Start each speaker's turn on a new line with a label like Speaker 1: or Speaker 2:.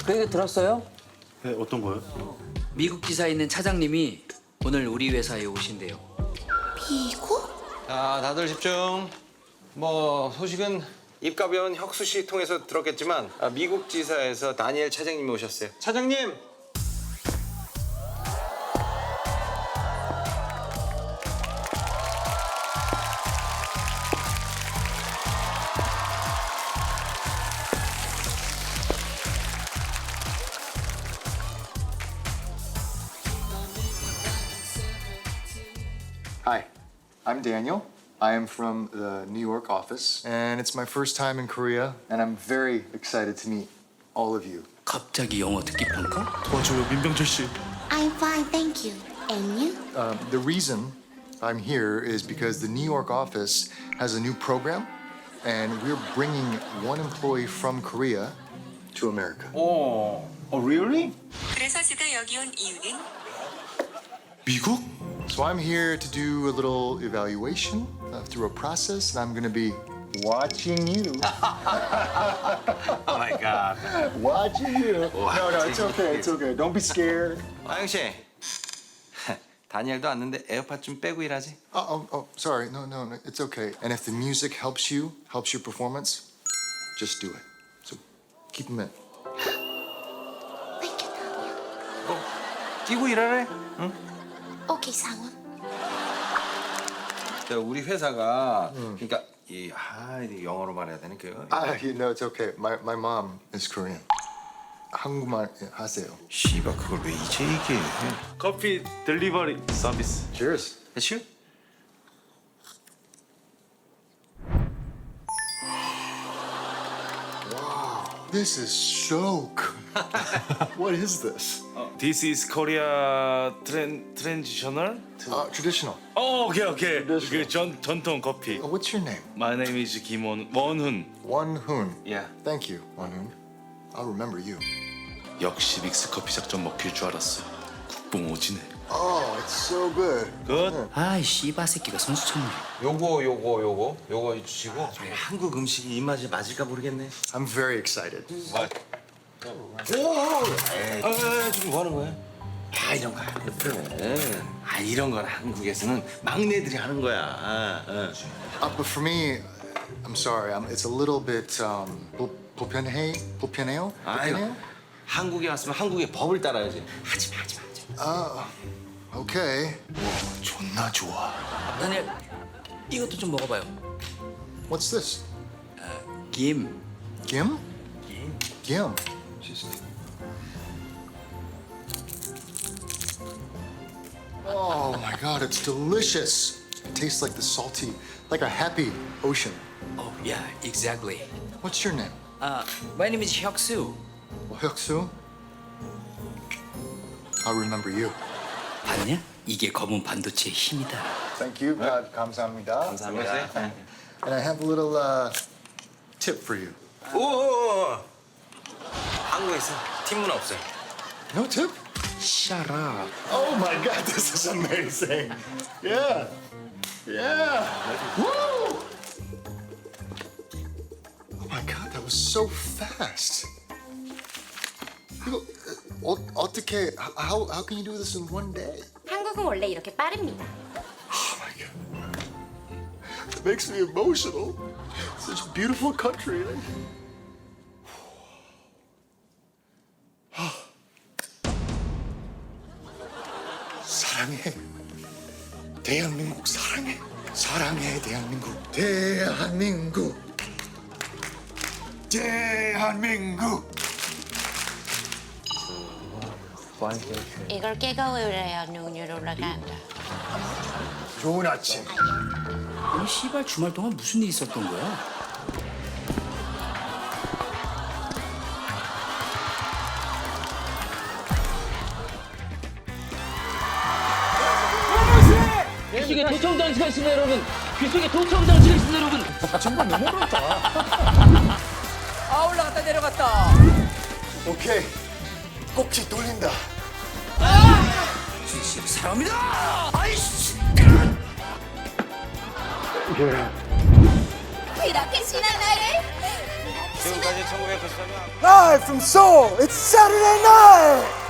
Speaker 1: 그 얘기 들었어요?
Speaker 2: 네, 어떤 거요?
Speaker 1: 미국 지사에 있는 차장님이 오늘 우리 회사에 오신대요.
Speaker 3: 미국?
Speaker 4: 자, 다들 집중. 뭐 소식은 입가변 혁수 씨 통해서 들었겠지만 미국 지사에서 다니엘 차장님이 오셨어요. 차장님.
Speaker 5: Hi, I'm Daniel. I am from the New York office, and it's my first time in Korea, and I'm very excited to meet all of you.
Speaker 1: 갑자기 영어 듣기 평가?
Speaker 2: 도와줘요, 민병철 씨.
Speaker 3: I'm fine, thank you. And you?
Speaker 5: The reason I'm here is because the New York office has a new program, and we're bringing one employee from Korea to America.
Speaker 4: really?
Speaker 6: 그래서 제가 여기 온 이유는
Speaker 2: 미국?
Speaker 5: So I'm here to do a little evaluation through a process, and I'm going to be watching you.
Speaker 4: Oh my God.
Speaker 5: Watching you. No, it's okay. It's okay. Don't be scared.
Speaker 4: 아영 씨. 다니엘도 왔는데 에어팟 좀 빼고 일하지.
Speaker 5: Sorry. No, it's okay. And if the music helps your performance, just do it. So keep them in.
Speaker 3: Thank you, Daniel.
Speaker 4: 끼고 일하래. 응?
Speaker 3: Okay, 상원.
Speaker 4: 자, 우리 회사가 그러니까 이게 영어로 말해야 되는 그
Speaker 5: It's okay. My mom is Korean. 한국말 하세요.
Speaker 4: 씨발 그걸 왜 이제 얘기해?
Speaker 2: 커피 딜리버리 서비스.
Speaker 5: Cheers.
Speaker 4: 대출?
Speaker 5: This is so good. What is this?
Speaker 2: This is Korea traditional?
Speaker 5: Traditional.
Speaker 2: 오케이.
Speaker 5: Traditional.
Speaker 2: 그 전통 커피.
Speaker 5: What's your name?
Speaker 2: My name is 원훈.
Speaker 5: Wonhoon.
Speaker 4: Yeah.
Speaker 5: Thank you, Wonhoon. I'll remember you.
Speaker 2: 역시 믹스 커피 작전 먹힐 줄 알았어. 국뽕 오지네.
Speaker 5: Oh, it's so good.
Speaker 2: 굿.
Speaker 1: 아이 씨바 새끼가 선수 천물이.
Speaker 4: 요거 주시고 한국 음식이 입맛에 맞을까 모르겠네.
Speaker 5: I'm very excited.
Speaker 4: 지금 뭐 하는 거야? 이런 거 하거든. 이런 건 한국에서는 막내들이 하는 거야.
Speaker 5: But for me, I'm sorry. It's a little bit 불편해요?
Speaker 4: 아유, 한국에 왔으면 한국의 법을 따라야지. 하지 마.
Speaker 5: Okay. 존나 좋아.
Speaker 1: 다니엘, 이것도 좀 먹어봐요.
Speaker 5: What's this?
Speaker 1: 김.
Speaker 5: Gim? Gim. Oh my God, it's delicious. It tastes like the salty, like a happy ocean.
Speaker 1: Oh, yeah, exactly.
Speaker 5: What's your name?
Speaker 1: My name is 혁수.
Speaker 5: Hyuksu. I'll remember you.
Speaker 1: 봤냐? 이게 검은 반도체의 힘이다.
Speaker 5: Thank you. 감사합니다.
Speaker 4: 감사합니다.
Speaker 5: And I have a little tip for you.
Speaker 4: 오. 한국에서 팀 문화 없어요.
Speaker 5: No tip?
Speaker 1: Shut up.
Speaker 5: Oh my God, this is amazing. Yeah. Woo! Oh my God, that was so fast. 이거 어떻게 how can you do this in one day?
Speaker 3: 한국은 원래 이렇게 빠릅니다.
Speaker 5: Oh my God. It makes me emotional. Such a beautiful country. 사랑해. 대한민국 사랑해. 사랑해 대한민국. 대한민국.
Speaker 3: 이걸 깨가 올려야 눈이 올라간다.
Speaker 5: 좋은 아침.
Speaker 1: 아니 씨발 주말 동안 무슨 일 있었던 거야? 귓속에 도청 장치가 있습니다 여러분. 귓속에 도청 장치가 있습니다 여러분.
Speaker 5: 정말 너무 어렵다.
Speaker 1: 아 올라갔다 내려갔다.
Speaker 5: 오케이. 꼭지 돌린다.
Speaker 1: 진실 사람이다. 아이씨.
Speaker 3: 이렇게 신한 나를
Speaker 4: 지금까지 지금까지 1993년
Speaker 7: Live from Seoul, it's Saturday night!